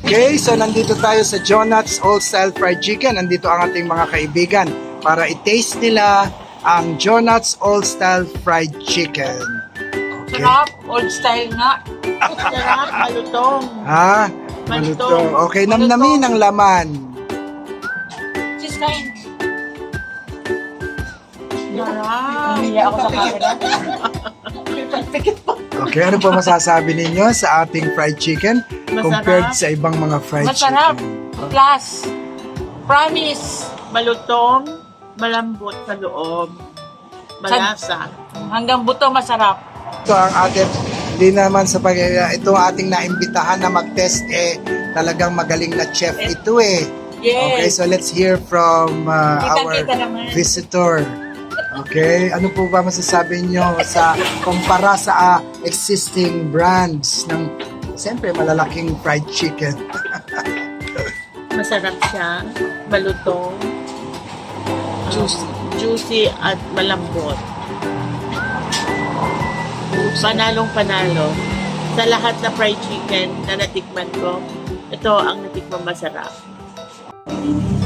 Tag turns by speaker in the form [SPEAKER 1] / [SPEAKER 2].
[SPEAKER 1] Okay, so nandito tayo sa Jonat's Old Style Fried Chicken. Nandito ang ating mga kaibigan para i-taste nila ang Jonat's Old Style Fried Chicken. Okay.
[SPEAKER 2] Sarap, old style nga. Sarap, malutong.
[SPEAKER 1] Ha? Malutong. Okay, namnamin ang laman.
[SPEAKER 2] Sis, kain. Sarap. Hindi ako sa camera.
[SPEAKER 1] Okay, ano pa masasabi ninyo sa ating fried chicken compared sa ibang mga fried
[SPEAKER 2] Masarap.
[SPEAKER 1] chicken?
[SPEAKER 2] Plus, promise, malutong, malambot sa loob. Malasa. Hanggang buto masarap.
[SPEAKER 1] Ito ang ating, hindi naman sa ito ang ating naimbitahan na mag-test talagang magaling na chef ito Okay,
[SPEAKER 2] Yes.
[SPEAKER 1] so let's hear from our
[SPEAKER 2] Kita naman.
[SPEAKER 1] visitor. Okay, ano po ba masasabi nyo sa kumpara sa existing brands ng siyempre malalaking fried chicken?
[SPEAKER 2] Masarap siya. Malutong. Juicy at malambot. Panalong panalo. Sa lahat na fried chicken na natikman ko, ito ang natikman masarap.